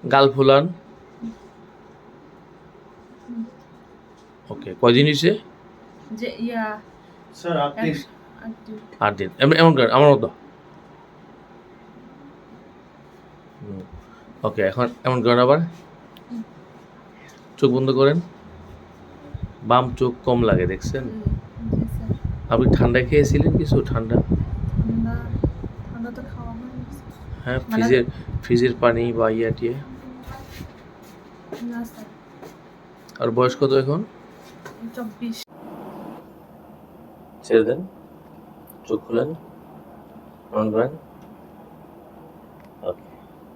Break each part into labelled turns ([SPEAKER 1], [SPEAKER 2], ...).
[SPEAKER 1] গাল ফুলান। ওকে, কয়দিন হয়েছে?
[SPEAKER 2] যে ইয়া
[SPEAKER 3] স্যার 8 দিন।
[SPEAKER 1] 8 দিন। এমন করেন আমার মতো। ওকে, এখন এমন করেন আবার। চোখ বন্ধ করেন। বাম চোখ কম লাগে, দেখছেন?
[SPEAKER 2] জি স্যার।
[SPEAKER 1] আপনি ঠান্ডা খেয়েছিলেন কিছু? ঠান্ডা?
[SPEAKER 2] ঠান্ডা তো খাওয়া হয়নি।
[SPEAKER 1] হ্যাঁ,
[SPEAKER 2] মানে
[SPEAKER 1] ফ্রিজের পানি বা টিয়ে।
[SPEAKER 2] না স্যার।
[SPEAKER 1] আর বয়স কত এখন?
[SPEAKER 2] 24।
[SPEAKER 1] ছেড়ে দেন, চোখ খুলেন, অন করেন। ওকে,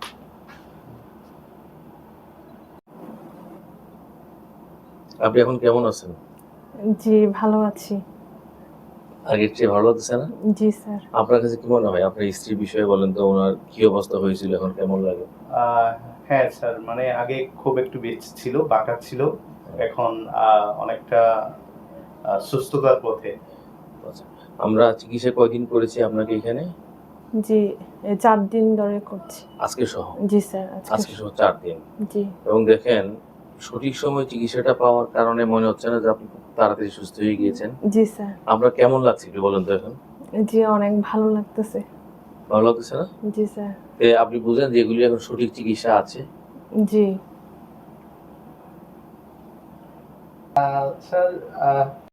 [SPEAKER 1] আপনি এখন কেমন আছেন?
[SPEAKER 4] জি, ভালো আছি।
[SPEAKER 1] আগের চেয়ে ভালো লাগছে না?
[SPEAKER 4] জি স্যার।
[SPEAKER 1] আপনার কাছে কি মনে হয়? আপনার স্ত্রীর বিষয়ে বলেন তো, ওনার কি অবস্থা হয়েছিল, এখন কেমন লাগে?
[SPEAKER 3] হ্যাঁ স্যার, মানে আগে খুব একটু বেশি ছিল, বাঁকা ছিল, এখন অনেকটা সুস্থতার পথে।
[SPEAKER 1] আচ্ছা, আমরা চিকিৎসা কয়দিন করেছি আপনাকে এখানে?
[SPEAKER 4] জি, 4 দিন ধরে করছি।
[SPEAKER 1] আজকে সহ?
[SPEAKER 4] জি স্যার,
[SPEAKER 1] আজকে সহ 4 দিন।
[SPEAKER 4] জি।
[SPEAKER 1] এবং দেখেন, সঠিক সময়ে চিকিৎসাটা পাওয়ার কারণে মনে হচ্ছে না যে আপনি খুব তাড়াতাড়ি সুস্থ হয়ে গিয়েছেন।
[SPEAKER 4] জি স্যার।
[SPEAKER 1] আপনার কেমন লাগছে একটু বলেন তো এখন?
[SPEAKER 4] জি, অনেক ভালো লাগতেছে।
[SPEAKER 1] ভালো লাগতেছে না?
[SPEAKER 4] জি স্যার।
[SPEAKER 1] আপনি বুঝেন যে এগুলি এখন সঠিক চিকিৎসা আছে?
[SPEAKER 4] জি।
[SPEAKER 3] স্যার